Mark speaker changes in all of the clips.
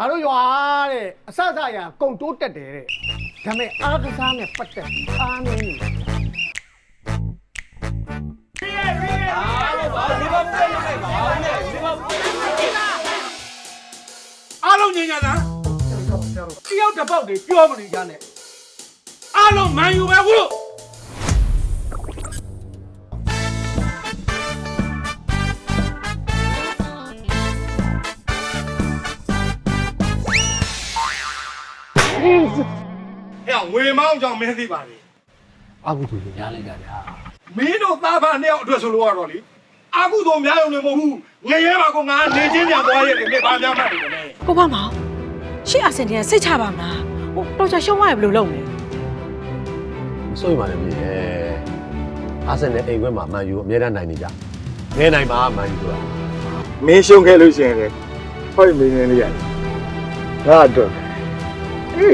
Speaker 1: ငါတို့ရွာတဲ့အစအစအရာကုံတိုးတက်တယ်တဲ့ဒါပေမဲ့အားကစားနဲ့ပတ်သက်အားနည်းနေ
Speaker 2: အားလုံးညင်ညာလားတယောက်တစ်ပေါက်တွေပြောမနေကြနဲ့အားလုံးမန်ယူပဲဟုတ်ငွေမောင်းကြောင့်မင်းသိပါလေ
Speaker 1: အာဟုသူညားလိုက်တာဗျာ
Speaker 2: မင်းတို့သားဖာနှစ်ယောက်အတွက်ဆိုလို့ရတော့လေအာကုသို့များရုံနဲ့မဟုတ်ဘူးငရဲပါကောငါနေချင်းပြန်သွားရဲ့လေဘာများမှတ်တယ်လဲ
Speaker 3: ကိုပါမောင်ရှေ့အဆင်တည်းစိတ်ချပါမလားဟိုတော်ချာရှုံးသွားရဘယ်လိုလုပ်လဲ
Speaker 4: မစိုးရိမ်ပါနဲ့မြေအာဆင်နယ်အိမ်ခွဲမှာမန်ယူအမြဲတမ်းနိုင်နေကြငဲနိုင်ပါမန်ယူဆိုတာ
Speaker 2: မင်းရှုံးခဲ့လို့ရှိရင်လေဟောမင်းနေလေးရတယ်ငါတော့ဟေး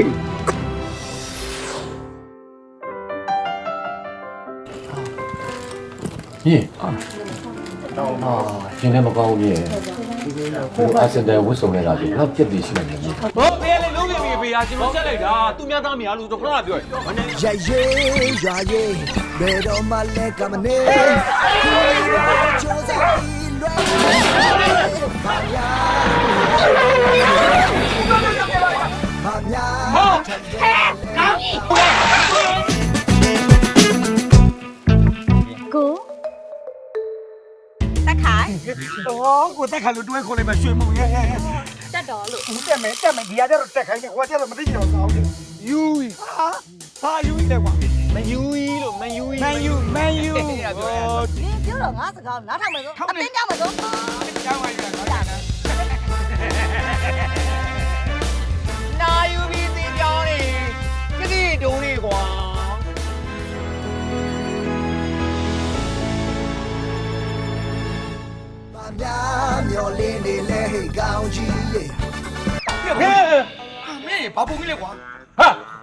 Speaker 4: မြေရှင်လည်းမကောင်းဘူးမြေဟိုအာဆင်နယ်ဝစ်ဆုံနေတာဆိုတော့ပြက်ပြီးရှိနေတယ်မြေ
Speaker 5: ဟောဖေးလေလုံးနေပြီဖေးဟာကျွန်တော်ချက်လိုက်တာသူများသားမရလို့တော့ခဏပြောရ
Speaker 6: Yeah, yeah, yeah, yeah. Better on my leg, I'm a name.
Speaker 3: ကိုတက်ခိုင်
Speaker 2: 哦，我再看路对口里面水母耶，
Speaker 3: တက်တော်လို့
Speaker 2: တက်မယ်ဒီရတဲ့တက်ခိုင်းနေဟိုကျတော့မသိကြတော့ကောင်းတယ်ယူဟာယူလေကွာ
Speaker 5: မယူကြီးလို့မယူကြီး
Speaker 2: မန်ယူ
Speaker 7: နင်ပြောတော့ငါစကားနားထောင်မယ်ဆိုအတင်းကြောက်မယ်ဆို
Speaker 2: ကျောင်းဝိုင်းရတော့ဒါနဲ့
Speaker 5: နာယူပြီးသင်ကြောင်းနေကြတိတုံးနေကွာ
Speaker 6: Your lady, let it go, G.
Speaker 2: ဟဲ့မင်းဘာပုံကြီးလဲကွာဟာ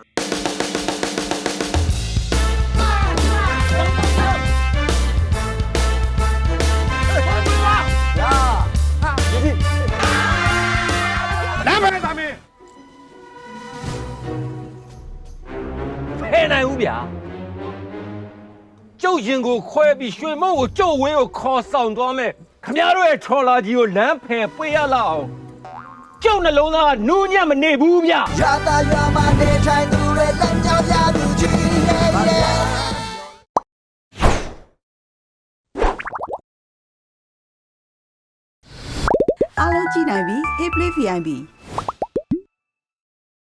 Speaker 5: ဖဲနိုင်ဦးဗျာကျုပ်ရင်ကိုခွဲပြီးရွှေမုံကိုကျုပ်ဝင်းကိုခေါ်ဆောင်သွားမယ်ခမရတို့ရဲ့ထော်လာကြီးကိုလမ်းဖယ်ပေးရလောက်အောင်ကျုပ်နှလုံးသားနူးညံ့မနေဘူးဗျ
Speaker 6: Yata Yama, they try to let them down, Yabu G.
Speaker 8: Hello, G9B. Hey, play VIP.